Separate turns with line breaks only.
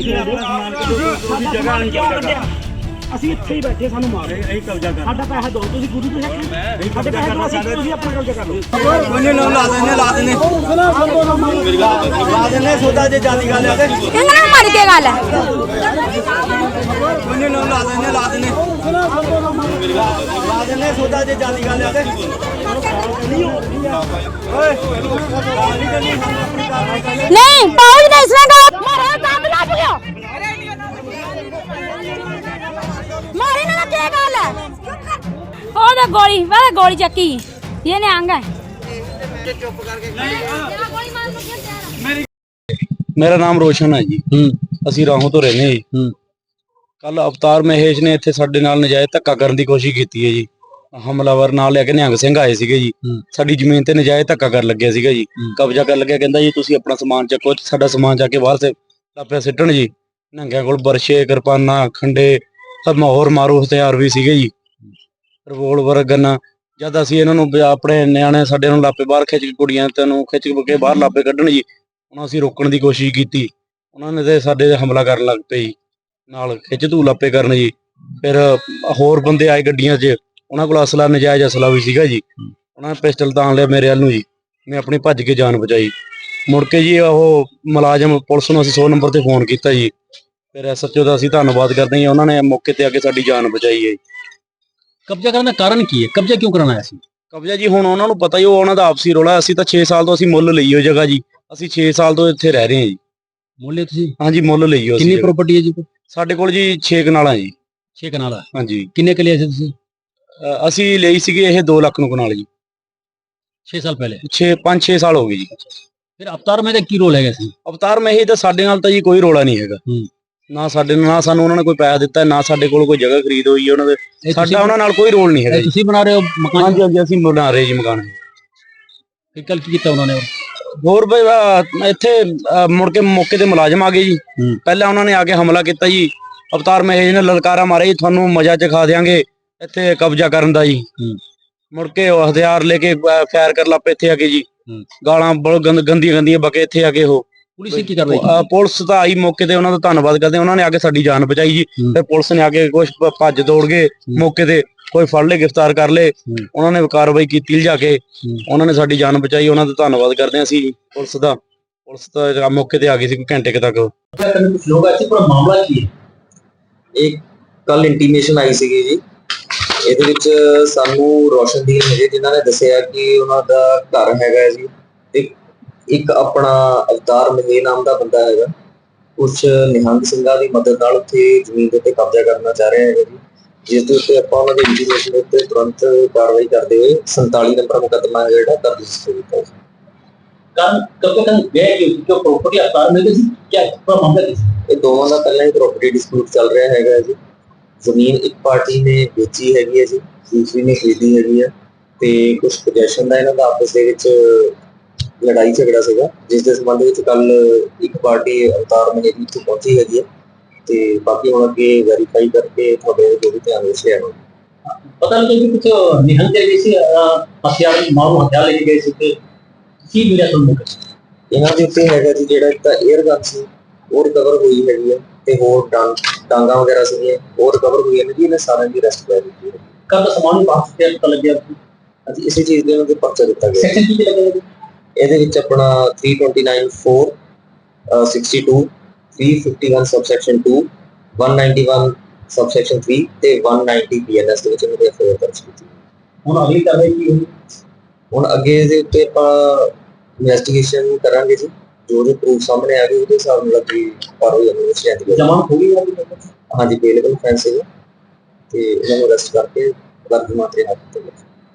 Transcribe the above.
ਅਸੀਂ ਇੱਥੇ ਹੀ ਬੈਠੇ ਸਾਨੂੰ ਮਾਰ ਇਹ ਕਬਜ਼ਾ ਕਰ ਸਾਡਾ ਪੈਸਾ ਦਿਓ ਤੁਸੀਂ ਗੁਰੂ ਦੇ ਸਾਡੇ ਪੈਸੇ ਦਿਓ ਤੁਸੀਂ ਆਪਣਾ ਕਬਜ਼ਾ ਕਰ ਲਓ ਉਹਨੇ ਨਾਮ ਲਾ ਦੇਣੇ ਸੌਦਾ ਜੇ ਜਾਦੀ ਗੱਲ ਹੈ ਤੇ
ਇਹਨਾਂ ਨੂੰ ਮਰ ਕੇ ਗੱਲ ਹੈ
ਉਹਨੇ ਨਾਮ ਲਾ ਦੇਣੇ ਸੌਦਾ ਜੇ ਜਾਦੀ ਗੱਲ ਹੈ ਤੇ
नहीं पहुंच नहीं इसमें मारे काम लग गया मारे ना क्या गाल है ओ ना गोली वाला गोली चक्की ये ने आंगा
चुप करके मेरा नाम रोशन है जी ਅਸੀਂ ਰਾਹੋਂ ਤੋਂ ਰਹਿੰਦੇ ਜੀ ਕੱਲ ਅਵਤਾਰ ਮਹੇਸ਼ ਨੇ ਇੱਥੇ ਸਾਡੇ ਨਾਲ ਨਜਾਇਜ਼ ਧੱਕਾ ਕਰਨ ਦੀ ਕੋਸ਼ਿਸ਼ ਕੀਤੀ ਹੈ ਜੀ ਹਮਲਾਵਰ ਨਾਲ ਲੈ ਕੇ ਨਿਹੰਗ ਸਿੰਘ ਆਏ ਸੀਗੇ ਜੀ ਸਾਡੀ ਜ਼ਮੀਨ ਤੇ ਨਜਾਇਜ਼ ਧੱਕਾ ਕਰਨ ਲੱਗਿਆ ਸੀਗਾ ਜੀ ਕਬਜ਼ਾ ਕਰਨ ਲੱਗਿਆ ਕਹਿੰਦਾ ਜੀ ਤੁਸੀਂ ਆਪਣਾ ਸਮਾਨ ਚੱਕੋ ਸਾਡਾ ਸਮਾਨ ਚੱਕ ਕੇ ਬਾਹਰ ਸੇ ਲਾਪਿਆ ਸਿੱਟਣ ਜੀ ਨਿਹੰਗਿਆਂ ਕੋਲ ਬਰਸ਼ੇ ਕਿਰਪਾਨਾਂ ਖੰਡੇ ਸਭ ਹੋਰ ਮਾਰੂ ਹਥਿਆਰ ਵੀ ਸੀਗੇ ਜੀ ਰਿਵੋਲਵਰ ਗੰਨਾ ਜਦ ਅਸੀਂ ਇਹਨਾਂ ਨੂੰ ਆਪਣੇ ਨਿਆਣੇ ਸਾਡੇ ਨੂੰ ਲਾਪੇ ਬਾਹਰ ਖਿੱਚ ਕੇ ਕੁੜੀਆਂ ਤੈਨੂੰ ਖਿੱਚ ਕੇ ਬਾਹਰ ਲਾਪੇ ਕੱਢਣ ਜੀ ਉਹਨਾਂ ਅਸੀਂ ਰੋਕਣ ਦੀ ਕੋਸ਼ਿਸ਼ ਕੀਤੀ ਉਹਨਾਂ ਨੇ ਤੇ ਸਾਡੇ ਤੇ ਹਮਲਾ ਕਰਨ ਲੱਗ ਪਏ ਜੀ ਨਾਲ ਖਿੱਚ ਧੂ ਲਾਪੇ ਕਰਨ ਜੀ ਫਿਰ ਹੋਰ ਬੰਦੇ ਆਏ ਗੱਡੀਆਂ 'ਚ ਉਹਨਾਂ ਕੋਲ ਅਸਲਾ ਨਜਾਇਜ਼ ਅਸਲਾ ਵੀ ਸੀਗਾ ਜੀ ਉਹਨਾਂ ਨੇ ਪਿਸਟਲ ਤਾਣ ਲਿਆ ਮੇਰੇ ਵੱਲ ਨੂੰ ਜੀ ਮੈਂ ਆਪਣੀ ਭੱਜ ਕੇ ਜਾਨ ਬਚਾਈ ਮੁੜ ਕੇ ਜੀ ਉਹ ਮੁਲਾਜ਼ਮ ਪੁਲਿਸ ਨੂੰ ਅਸੀਂ 100 ਨੰਬਰ ਤੇ ਫੋਨ ਕੀਤਾ ਜੀ ਫਿਰ ਐਸਐਚਓ ਦਾ ਅਸੀਂ ਧੰਨਵਾਦ ਕਰਦੇ ਹਾਂ ਉਹਨਾਂ ਨੇ ਮੌਕੇ ਤੇ ਆ ਕੇ ਸਾਡੀ ਜਾਨ ਬਚਾਈ ਹੈ।
ਕਬਜ਼ਾ ਕਰਨ ਦਾ ਕਾਰਨ ਕੀ ਹੈ? ਕਬਜ਼ਾ ਕਿਉਂ ਕਰਨਾ ਆਇਆ ਸੀ?
ਕਬਜ਼ਾ ਜੀ ਹੁਣ ਉਹਨਾਂ ਨੂੰ ਪਤਾ ਹੀ ਉਹ ਉਹਨਾਂ ਦਾ ਆਪਸੀ ਰੌਲਾ ਅਸੀਂ ਤਾਂ 6 ਸਾਲ ਤੋਂ ਅਸੀਂ ਮੁੱਲ ਲਈ ਉਹ ਜਗ੍ਹਾ ਜੀ ਅਸੀਂ 6 ਸਾਲ ਤੋਂ ਇੱਥੇ ਰਹਿ ਰਹੇ ਹਾਂ ਜੀ।
ਮੁੱਲ ਤੁਸੀਂ?
ਹਾਂਜੀ ਮੁੱਲ ਲਈ ਹੋ।
ਕਿੰਨੀ ਪ੍ਰਾਪਰਟੀ ਹੈ ਜੀ?
ਸਾਡੇ ਕੋਲ ਜੀ 6 ਕਨਾਲਾਂ ਜੀ।
6 ਕਨਾਲਾਂ?
ਹਾਂਜੀ।
ਕਿੰਨੇ ਕਿੱਲੇ ਸੀ ਤੁਸੀਂ?
ਅਸੀਂ ਲਈ ਸੀਗੇ ਇਹ 2 ਲੱਖ ਨੂੰ ਕਨਾਲ ਜੀ
6 ਸਾਲ ਪਹਿਲੇ।
5-6 ਸਾਲ ਹੋ ਗਏ ਜੀ।
ਫਿਰ ਅਵਤਾਰ ਮਹਿ ਦਾ ਕੀ ਰੋਲ ਹੈਗਾ ਸੀ?
ਅਵਤਾਰ ਮਹਿ ਤਾਂ ਸਾਡੇ ਨਾਲ ਤਾਂ ਜੀ ਕੋਈ ਰੋਲਾ ਨਹੀਂ ਹੈਗਾ ਨਾ ਸਾਡੇ ਨਾਲ ਸਾਨੂੰ ਉਹਨਾਂ ਨੇ ਕੋਈ ਪੈਸਾ ਦਿੱਤਾ ਨਾ ਸਾਡੇ ਕੋਲ ਕੋਈ ਜਗ੍ਹਾ ਖਰੀਦ ਹੋਈ ਉਹਨਾਂ ਦੇ ਸਾਡਾ ਉਹਨਾਂ ਨਾਲ ਕੋਈ ਰੋਲ ਨਹੀਂ ਹੈਗਾ।
ਤੁਸੀਂ ਬਣਾ ਰਹੇ ਹੋ ਮਕਾਨ?
ਹਾਂਜੀ ਹਾਂਜੀ ਅਸੀਂ ਬਣਾ ਰਹੇ ਜੀ ਮਕਾਨ।
ਫਿਰ ਕੱਲ ਕੀ ਕੀਤਾ ਉਹਨਾਂ ਨੇ?
ਹੋਰ ਬਈ ਇੱਥੇ ਮੁੜ ਕੇ ਮੌਕੇ ਤੇ ਮੁਲਾਜ਼ਮ ਆ ਗਏ ਜੀ ਪਹਿਲਾਂ ਉਹਨਾਂ ਨੇ ਆ ਕੇ ਹਮਲਾ ਕੀਤਾ ਜੀ ਅਵਤਾਰ ਮਹੇਸ਼ ਨੇ ਲਲਕਾਰਾ ਮਾਰਿਆ ਜੀ ਤੁਹਾਨੂੰ ਮਜ਼ਾ ਚਖਾ ਦਿਆਂਗੇ ਇੱਥੇ ਕਬਜ਼ਾ ਕਰਨ ਦਾ ਜੀ ਮੁੜ ਕੇ ਉਹ ਹਥਿਆਰ ਲੈ ਕੇ ਫਾਇਰ ਕਰ ਲੱਪੇ ਇੱਥੇ ਆ ਕੇ ਜੀ ਗਾਲਾਂ ਬਹੁਤ ਗੰਦੀਆਂ ਬਕੇ ਇੱਥੇ ਆ ਕੇ ਉਹ
ਪੁਲਿਸ ਕੀ ਕਰ ਰਹੀ?
ਪੁਲਿਸ ਤਾਂ ਆਈ ਮੌਕੇ ਤੇ ਉਹਨਾਂ ਦਾ ਧੰਨਵਾਦ ਕਰਦੇ ਉਹਨਾਂ ਨੇ ਆ ਕੇ ਸਾਡੀ ਜਾਨ ਬਚਾਈ ਜੀ ਫਿਰ ਪੁਲਿਸ ਨੇ ਆ ਕੇ ਕੁਝ ਭੱਜ ਦੌੜ ਗਏ ਮੌਕੇ ਤੇ ਕੋਈ ਫੜ ਲਏ ਗ੍ਰਿਫਤਾਰ ਕਰ ਲਏ ਉਹਨਾਂ ਨੇ ਕਾਰਵਾਈ ਕੀਤੀ ਲਿਜਾ ਕੇ ਉਹਨਾਂ ਨੇ ਸਾਡੀ ਜਾਨ ਬਚਾਈ ਉਹਨਾਂ ਦਾ ਧੰਨਵਾਦ ਕਰਦੇ ਹਾਂ ਅਸੀਂ ਪੁਲਿਸ ਦਾ। ਪੁਲਿਸ ਤਾਂ ਮੌਕੇ ਤੇ ਆ ਗਈ ਸੀ ਘੰਟੇ ਤੱਕ।
ਕੁਝ ਲੋਕ ਆਏ ਸੀ ਪੂਰਾ ਮਾਮਲਾ ਕੀ ਹੈ?
ਇੱਕ ਕੱਲ ਇੰਟੀਮੇਸ਼ਨ ਆਈ ਸੀਗੀ ਜੀ ਇਹਦੇ ਵਿੱਚ ਸਾਨੂੰ ਰੋਸ਼ਨਦੀਨ ਹੈਗੇ ਜਿਨ੍ਹਾਂ ਨੇ ਦੱਸਿਆ ਕਿ ਉਹਨਾਂ ਦਾ ਘਰ ਹੈਗਾ ਜੀ ਤੇ ਇੱਕ ਆਪਣਾ ਅਵਤਾਰ ਮਹੇਸ਼ ਨਾਮ ਦਾ ਬੰਦਾ ਹੈਗਾ ਕੁਛ ਨਿਹੰਗ ਸਿੰਘਾਂ ਦੀ ਮਦਦ ਨਾਲ ਉੱਥੇ ਜ਼ਮੀਨ ਦੇ ਉੱਤੇ ਕਬਜ਼ਾ ਕਰਨਾ ਚਾਹ ਰਿਹਾ ਹੈਗਾ ਜੀ ਜਿਸ ਦੇ ਉੱਤੇ ਆਪਾਂ ਉਹਨਾਂ ਦੀ ਇੰਟੀਮੇਸ਼ਨ ਦੇ ਉੱਤੇ ਤੁਰੰਤ ਕਾਰਵਾਈ ਕਰਦੇ ਹੋਏ 47 ਨੰਬਰ ਮੁਕੱਦਮਾ ਹੈ ਜਿਹੜਾ ਦਰਜ ਕੀਤਾ ਜੀ।
ਕਾਰਨ ਕਬਜ਼ਾ ਕਰਨ ਗਏ ਕਿ ਜੋ ਪ੍ਰਾਪਰਟੀ ਅਵਤਾਰ ਮਹਿ ਦੀ ਕੀ ਪੂਰਾ ਮਾਮਲਾ ਕੀ?
ਇਹ ਦੋਵਾਂ ਦਾ ਪਹਿਲਾਂ ਹੀ ਪ੍ਰਾਪਰਟੀ ਡਿਸਪਿਊਟ ਚੱਲ ਰਿਹਾ ਹੈਗਾ ਜੀ। ਜ਼ਮੀਨ ਇੱਕ ਪਾਰਟੀ ਨੇ ਵੇਚੀ ਹੈਗੀ ਹੈ ਜੀ ਦੂਸਰੀ ਨੇ ਖਰੀਦੀ ਹੈਗੀ ਹੈ ਤੇ ਕੁਝ ਪੋਜੈਸ਼ਨ ਦਾ ਇਹਨਾਂ ਦਾ ਆਪਸ ਦੇ ਵਿੱਚ ਲੜਾਈ ਝਗੜਾ ਸੀਗਾ ਜਿਸ ਦੇ ਸੰਬੰਧ ਵਿੱਚ ਕੱਲ ਇੱਕ ਪਾਰਟੀ ਅਵਤਾਰ ਮਹੇਸ਼ ਇੱਥੇ ਪਹੁੰਚੀ ਹੈਗੀ ਹੈ ਤੇ ਬਾਕੀ ਹੁਣ ਅੱਗੇ ਵੈਰੀਫਾਈ ਕਰਕੇ ਤੁਹਾਡੇ ਜੋ ਵੀ ਧਿਆਨ ਵਿੱਚ ਲਿਆਵਾਂਗੇ।
ਪਤਾ ਲੱਗਿਆ ਕਿ ਕੁਝ ਨਿਹੰਗ ਜਿਹੜੇ ਸੀ ਹਥਿਆਰ ਮਾਰੂ ਹਥਿਆਰ ਲੈ ਕੇ ਗਏ ਸੀ ਤੇ ਕੀ ਮਿਲਿਆ ਤੁਹਾਨੂੰ?
ਇਹਨਾਂ ਦੇ ਉੱਤੇ ਹੈਗਾ ਜੀ ਜਿਹੜਾ ਇੱਕ ਤਾਂ 에ਅਰ ਗਨ ਸੀ ਉਹ ਰਿਕਵਰ ਹੋਈ ਹੈਗੀ ਹੈ ਤੇ ਹੋਰ ਡਾਂਗਾ ਵਗੈਰਾ ਸੀਗੀਆਂ ਉਹ ਰਿਕਵਰ ਹੋਈਆਂ ਨੇ ਜੀ ਇਹਨਾਂ ਸਾਰਿਆਂ ਦੀ ਅਰੈਸਟ ਕਰ ਦਿੱਤੀ ਹੈ।
ਕੱਲ ਦਾ ਸਮਾਨ ਵਾਪਸ ਤੇ ਪਤਾ ਲੱਗਿਆ
ਅੱਜ ਇਸੇ ਚੀਜ਼ ਦੇ ਉਹਨਾਂ ਦੇ ਪਰਚਾ ਦਿੱਤਾ ਗਿਆ।
ਸੈਕਸ਼ਨ ਕੀ ਲੱਗਿਆ?
ਇਹਦੇ ਵਿੱਚ ਆਪਣਾ 329(4) 62 351 subsection 2 191 subsection 3 ਤੇ 190 BNS ਦੇ ਵਿੱਚ ਇਹਨਾਂ ਦੇ ਐਫਆਈਆਰ ਦਰਜ ਕੀਤੀ।
ਹੁਣ ਅਗਲੀ ਕਾਰਵਾਈ ਕੀ ਹੋਈ?
ਹੁਣ ਅੱਗੇ ਦੇ ਉੱਤੇ ਆਪਾਂ ਇਨਵੈਸਟੀਗੇਸ਼ਨ ਕਰਾਂਗੇ ਜੀ ਜੋ ਪ੍ਰੂਫ ਸਾਹਮਣੇ ਆ ਗਏ ਉਹਦੇ ਹਿਸਾਬ ਨਾਲ ਅੱਗੇ ਕਾਰਵਾਈ ਅਮਲ ਵਿੱਚ ਲਿਆਂਦੀ ਜਾਵੇਗੀ।
ਜਮਾਨਤ ਹੋ ਗਈ ਹੈ?
ਹਾਂਜੀ ਅਵੇਲੇਬਲ ਫੈਂਸ ਹੈ ਤੇ ਇਹਨਾਂ ਨੂੰ ਅਰੈਸਟ ਕਰਕੇ ਵਰਤਮਾਨ ਤੇ ਹੱਥ ਤੇ